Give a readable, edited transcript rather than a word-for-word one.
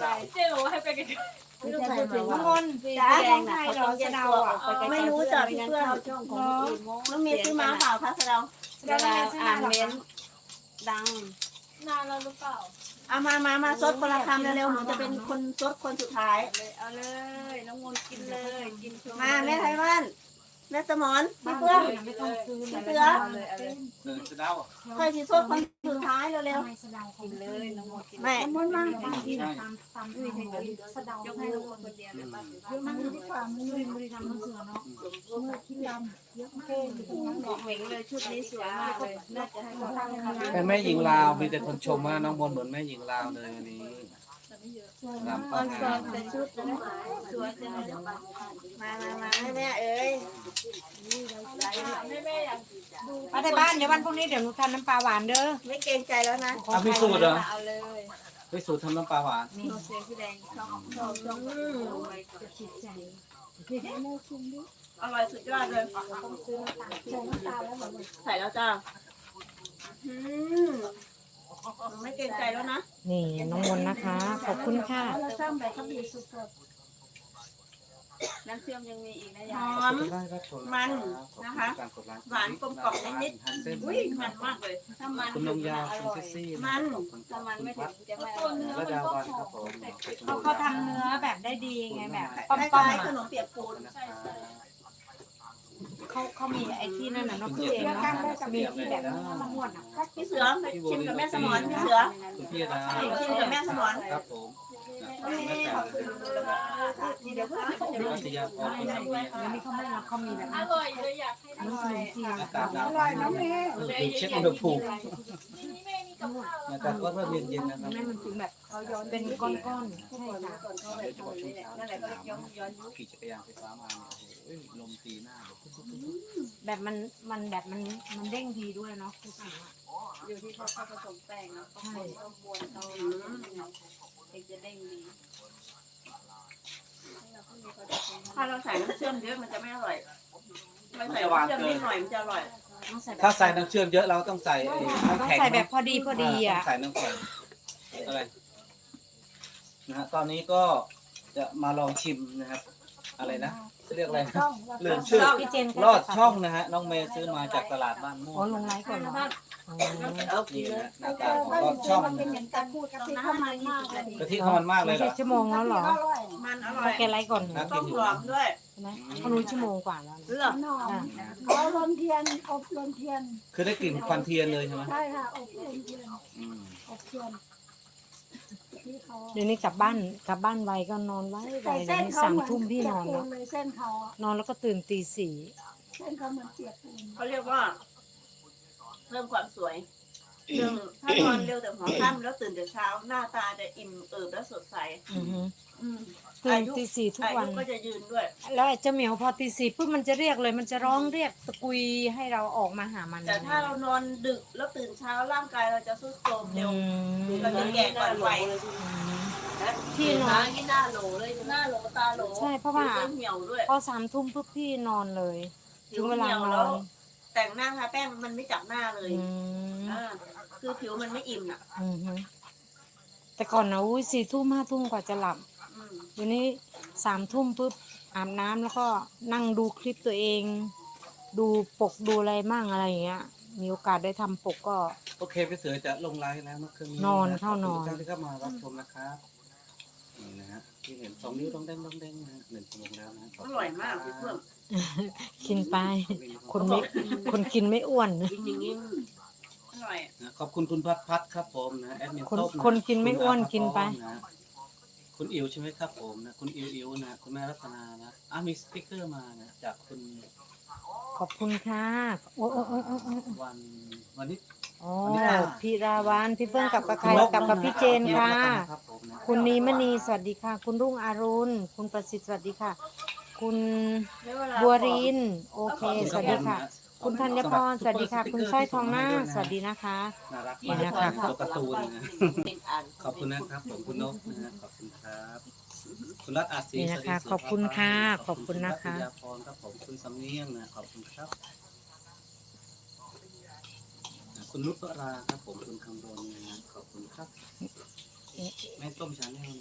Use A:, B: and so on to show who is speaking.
A: เจ๊บอกว่าให้ไปกัน
B: ไม่ต้องใส่ถึง
C: น้ำมนต์จ้าของไทยเหรอสะเดาอ่ะ
B: ไม่รู้จักพี่เพื่อน
C: ช่องของพี่โม
B: น้องเมย์ซื้อมาเปล่าคะเรา
C: เวลาอ่านเม้นดัง
A: นานแล้วหรือเปล่า
B: เอามาซดคนละคำเร็วๆหนูจะเป็นคนซดคนสุดท้าย
C: เอาเลยน้องมนต์กินเลยกิน
B: มาแม่ไทยบ้านแม่สมอนพี่เพื่อน
C: ไม่ต้องซื้อ
B: พี่เสือ
D: จะเดา
B: ค่อยสิซดคนสุดท้ายเร็ว
C: กินเลยน้องมนต์กิน
B: ๆแม่
C: มนต์มากกินตามไม่ใช่กินสะเดายกให้น้องมนต์คนเดียวเลยป้าถือว่ามันดีกว่ามันบริการมันเสือเนาะเมื่อคิดดำเยอะมากบอกเหม่งเลยชุดนี้สวยมากเลยน่าจะให้เขาทำ
D: เป็นแม่หญิงลาวมีแต่คนชมว่าน้องมนเหมือนแม่หญิงลาวเลยวันนี้ลำ
B: ค
D: ป้า
B: อนเสิ
D: งา
B: ร์ตเป็นชุดนะสวยจังเลยมาแม่เอ้ย
A: แม่อยากดู
C: มาที่บ้านเดี๋ยววันพรุ่งนี้เดี๋ยวหนูทำน้ำปลาหวานเด้อ
B: ไม่เกรงใจแล้วนะ
D: เอาพิสูจน์เหรอ
C: เอาเลย
D: พิสูจน์ทำน้ำปลาหวาน
C: นี่เสียพี่แดงชอบจะจิตใจ
B: อร่อยสุดยอดเลย ใส่แล้วจ้าไม่เกรงใจแล้วนะ
E: นี่น้องมนต์นะคะ ขอบคุณค่ะ
C: น้ำเชื่อมยังมีอีกนะ
B: ห
C: ยา
B: อย ม
D: มัน
B: นะคะ หวานกลมกล่อมนิดๆอุ้ยมันมากเลย
C: ถ้ามัน
D: คุณนงยาวคุณเซ็กซี่
C: ถ้ามันไม่ถึงจะไม่อ
A: ตัว
C: ร่อย
A: เนื้อ
D: และ
A: มัน
D: ดาว
A: ก็
D: วัน
A: ห
D: ค
A: อ
D: รับผม ม
C: เขาทำเนื้อแบบได้ดีไงแบบ
B: คล้ายๆขนมเปียกปูน
C: เขามีไอ้ที่นั่นน่ะนกเองเนาะมีที่แบบมะม่วงอ่ะ
B: พี่เสือไปชิมกับแม่สมอนพี่เสือ
D: คุณพี่ดา
B: ชิมกับแม่สมอน
D: ครับผม
B: เดี๋ยวเพื่อนเขาจะ
D: คุณ
B: รู้
D: อัศยาพรคุณสังเวียน
C: แล้วนี่เขาไม่รับเขามีแบบ
A: อร่อยเลยอยากให้
C: น้ำขนมจีน
D: อากาศหนาวดูเช็คอุณหภูมิ
A: นี่แม่มีกับข้าว
D: อากาศก็เริ่มเย็นๆนะครับ
C: แม่มันถึงแบบเขาย้อนเป็นก้อนๆใช่ค่ะ
D: โดยเฉพาะช่วงเช้าขี่จักรยานไฟฟ้ามาเนี่ยลมตีหน้า
C: แบบมันแบบมันเด้งดีด้วยเนาะคือสั่งอ่ะ
F: อยู่ที่เขาผสมแป้งเนาะเขาคนเขาบวนเขาเองจะเด้งดี
B: ถ้าเราใส่น้ำเชื่อมเยอะมันจะไม่อร่อยไม่ใส่น้ำเชื่อมนิดหน่อยมันจะอร่อย
C: ต้องใส่
D: ถ้าใส่น้ำเชื่อมเยอะเราต้องใส่
C: ต้อ
D: น้ำ
C: ง
D: แข็ง
C: ใส่แบบพอดีอ่ะ
D: ใส่น้ำแข็งอะไรนะฮะตอนนี้ก็จะมาลองชิมนะครับ อะไรนะเรียกอะไรนะลืมชื่อ
C: พี่เจน
D: ลอดช่องนะฮะน้องเมย์ซื้อมาจากตลาดบ้านม่ว
C: อ๋อง ลงไลฟ์ก่อนเนาะ
D: นี่นะหน้าตาของลอดช่องนะ
B: ต้องน้ำมันมากเลย
D: กะทิเขามันมากเลยเหรอ
C: ชั่วโมงแล้วเหรอ
B: มันอร่อย
C: แกไลฟ์ก่อน
D: น่ากิ
B: ต้
D: น
B: ม
D: อยู่
B: หอมด้วย
C: ใช่ไหมเขารู้ชั่วโมงกว่าแล้ว
B: เลือก
C: อ่ะ
G: ลมเทียนอบลมเทียน
D: คือได้กลิ่นควันเทียนเลยใช่ไหม
G: ใช่ค่ะอบลมเทียน
D: อืม
G: อบเทียนที่เขา
E: เดี๋ยวนี้กลับบ้านไวก็นอนไว
G: ใส่
E: เดี๋
G: เส้
E: ยวน นี้
G: เขา
E: สาม
G: เหมือน
E: ทุ่มพี่
G: เปีย
E: น
G: ก
E: อน
G: ปู
E: แล้ว
G: นเลยเส้นเขาอะ
E: นอนแล้วก็ตื่นตีสี่
G: เส้นเขาเหมือนเปียกปูน
B: เขาเรียกว่าเพิ่มความสวยหนึ่งถ้านอนเร็วแต่หัวค่ำแล้วตื่นแต่เช้าหน้าตาจะอิ่มเอิบและสดใส
E: อือฮึ
B: อืม
E: ตื่นตีสี่ทุก
B: อา
E: วัน
B: ยุก็จะยืนด้วย
E: แล้วไอ้เจ้าเหมียวพอตีสี่ปุ๊บมันจะเรียกเลย มันจะร้องเรียกตะกุยให้เราออกมาหามัน
B: แต่ถ้าเรานอนดึกแล้วตื่นเช้าร่างกายเราจะทรุดโทรม
E: อื
B: เร็ว
E: ม
B: เราจะแก่ก่อนวัย
E: พี่นอน
F: ที่หน้าโหลเลย
B: หน้าโหลตาโหล
E: ใช่เพราะว่า
B: ผิวเหี่ยวด้วย
E: พอสามทุ่มปุ๊บพี่นอนเลย ถึงเวลาน
B: แล้
E: อ
B: วน แต่งหน้าทาแป้งมันไม่จับหน้าเลย
E: อืม
B: คือผิวมันไม่อิ่มอ่ะ
E: อือฮึแต่ก่อนนะอุ้ยสี่ทุ่มห้าทุ่มกว่าจะหลับ
B: อืม
E: เดี๋ยวนี้สามทุ่มปุ๊บอาบน้ำแล้วก็นั่งดูคลิปตัวเอง ดูปกดูอะไรมั่งอะไรอย่างเงี้ย มีโอกาสได้ทำปกก็
D: โอเคพี่เสือจะลงไลน์แล้วเมื่อคืนนี้
E: นอนเข้านอน
D: ขบคุณทุกท่านที่เข้ามารับชมนะครับนี่นะฮะที่เห็นสองนิ้วต้องเด้งต้องเด้งนะฮะ1 ชั่วโมงแล้วนะ
B: อร่อยมากพี่เพื่อน
E: กินไปคนกินไม่อ้วน
B: กินอย่างนี้อร่อย
D: นะขอบคุณคุณพัดครับผมนะแอดมิน
E: คน
D: ต้มะ
E: คนกินไม่อ้วน
D: คุณ
E: กินไป
D: ะคุณอิ๋วใช่ไหมครับผมนะคุณอิ๋วนะคุณแม่รัตนานะมีสติ๊กเกอร์มานะจากคุณ
E: ขอบคุณค่ะโอ้โอ้โอ้โอ้โอ้
D: วันนี้
E: อ๋อ
D: วันนี้ค่ะ
E: พี่ราวันพี่เฟื่องกับกระใครกับพี่เจนค่ะ
D: รับผมนะ
E: คุณนีมณีสวัสดีค่ะ คุณรุ่งอรุณคุณประสิทธิ์สวัสดีค่ะ คุณบัวรินโอเค สวัสดีค่ะ คุณธัญพรสวัสดีค่ะ คุณสร้อยทองหน้าสวัสดีนะคะ
D: น่ารัก
E: นี่
D: มาก
E: นะคะ
D: ตัวการ์ตูนนะขอบคุณนะครับผมคุณนกนะฮะขอบคุณครับคุณรัตน์อาศี
E: นี่นะคะ ขอบคุณค่ะขอบคุณนะคะ
D: ณรัตยาพรครับผมคุณสำเนียงนะขอบคุณครับคุณนุชวราครับผมคุณคำรณนะฮะขอบคุณครับแม่ส้มชาแนล